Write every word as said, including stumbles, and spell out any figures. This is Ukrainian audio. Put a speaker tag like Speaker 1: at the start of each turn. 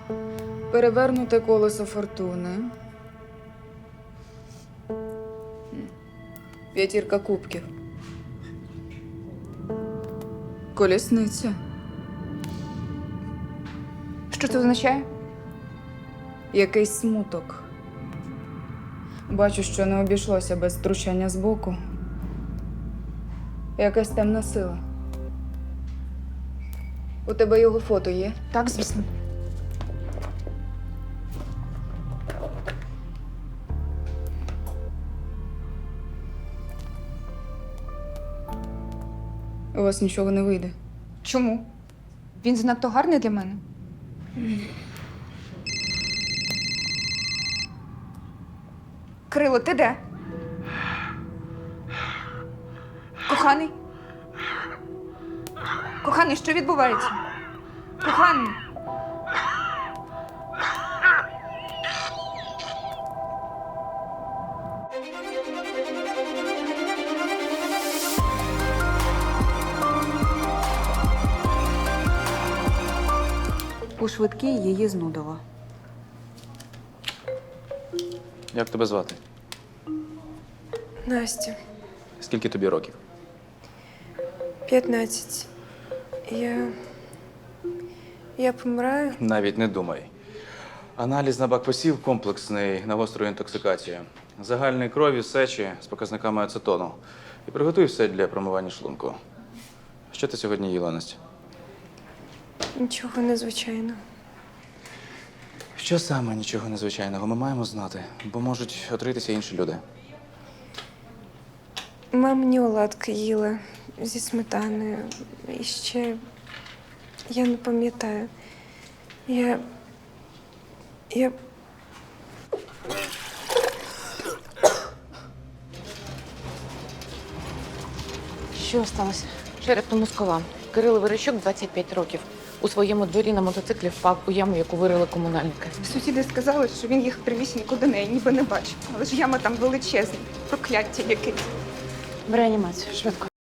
Speaker 1: Перевернуте колесо фортуни. П'ятірка кубків. Колісниця.
Speaker 2: Що це означає?
Speaker 1: Якийсь смуток. Бачу, що не обійшлося без втручання збоку. Якась темна сила. У тебе його фото є?
Speaker 2: Так, звісно.
Speaker 1: У вас нічого не вийде.
Speaker 2: Чому? Він занадто гарний для мене. Кирило, ти де? Коханий? Коханий, що відбувається? Коханий?
Speaker 3: У швидкій її знудило.
Speaker 4: Як тебе звати?
Speaker 5: Настя,
Speaker 4: Скільки тобі років?
Speaker 5: п'ятнадцять. Я. Я помираю.
Speaker 4: Навіть не думай. Аналіз на бакпосів комплексний на гостру інтоксикацію. Загальної крові, сечі з показниками ацетону. І приготуй все для промивання шлунку. Що ти сьогодні їла, Настя?
Speaker 5: Нічого незвичайного.
Speaker 4: Що саме нічого незвичайного ми маємо знати, бо можуть отритися інші люди.
Speaker 5: Мамині оладки їла зі сметаною. І ще. Я не пам'ятаю. Я. Я.
Speaker 6: Що сталося? Черепно-мозкова. Кирило Верещук, двадцять п'ять років. У своєму дворі на мотоциклі впав у яму, яку вирили комунальники.
Speaker 2: Сусіди сказали, що він їх привісінько до неї, ніби не бачив. Але ж яма там величезна, прокляття якесь.
Speaker 6: В реанімацію, швидко.